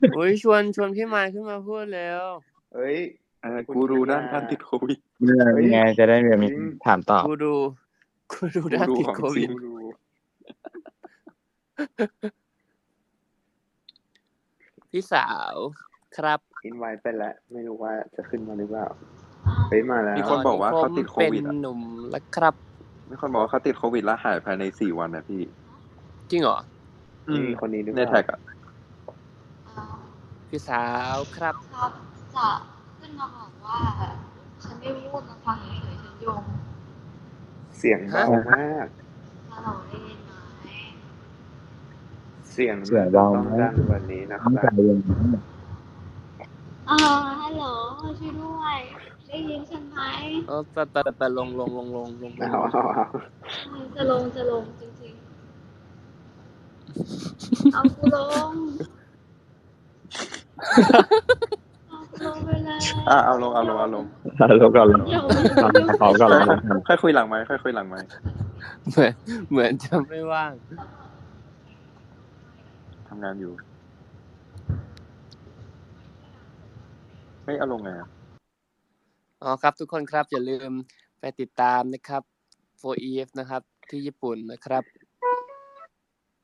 โอ้ยชวนพี่ไมค์ขึ้นมาพูดแล้วเอ้ยกูรูด้านการติดโควิดนี่ไงจะได้มีถามตอบกูดูด้านติดโควิด พี่สาวครับอินไว้ไปแล้วไม่รู้ว่าจะขึ้นมาหรือเปล่าเฮ้ยมาแล้วมีคนบอกว่าเขาติดโควิดเป็นหนุ่มแล้วครับมีคนบอกว่าเขาติดโควิดแล้วหายภายใน4 วันนะพี่จริงเหรอมีคนนี้หรือเปในล่าแท็กอ่ะพี่สาวครับครับจะขึ้นมาบอกว่าฉันไม่พูดมาฟังเฉยๆฉันโยงเสียงเบามากฮัลโหลได้ยินไหมเสียงเบาต้องไหมดังกว่านี้นะคต้องรัใจบเย็นฮัลโหลช่วยด้วยได้ยินฉันไหมแต่ลงเอาจะลงจริงๆเอากูลงไปเลยเอาลงแล้วก่อนขอก่อนแล้วกันค่อยคุยหลังไมค์เหมือนจะไม่ว่างทำงานอยู่ไม่เอาลงไงอ่ะอ๋อครับทุกคนครับอย่าลืมไปติดตามนะครับ 4EF นะครับที่ญี่ปุ่นนะครับ